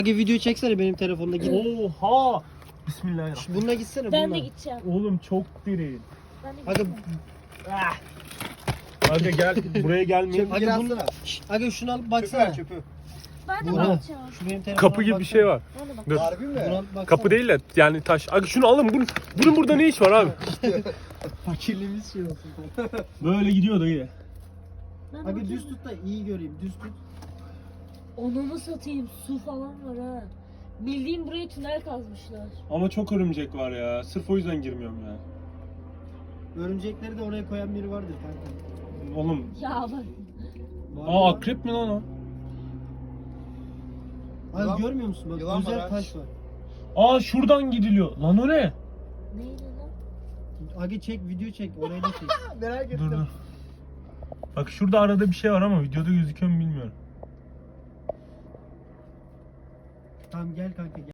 Aga video çeksene benim telefonda git. Oha! Bismillahirrahmanirrahim. Bununla gitsene Ben bununla. de gideceğim. Oğlum çok diri. Ben de Aga, gideceğim. Aga gel buraya gelmeyin. aga, bunu, aga şunu alıp baksana. Ben de Burak, bakacağım. şu benim telefona Kapı gibi bir baksana. şey var. Ben de Dur. bakacağım. Harbi mi? Buna baksana. Kapı değil de yani taş. Aga şunu alın. Bunun burada ne iş var abi? Fakirliğimiz şey olsun. Böyle gidiyor dayı. Ben de Aga bakacağım. düz tut da iyi göreyim. Düz tut. Onu mu satayım? Su falan var ha. Bildiğim buraya tünel kazmışlar. Ama çok örümcek var ya. Sırf o yüzden girmiyorum ya. Örümcekleri de oraya koyan biri vardır kanka. Oğlum. Ya bak. Var Aa mı? akrep mi lan o? Aga Yılan- görmüyor musun? Bak yılan güzel var ha. taş var. Aa şuradan gidiliyor. Lan o ne? Neydi lan? Aga çek video çek. Orayı da çek. Merak ettim. Dur dur. Bak şurada arada bir şey var ama videoda gözüküyor mu bilmiyorum. Tamam gel kanka gel.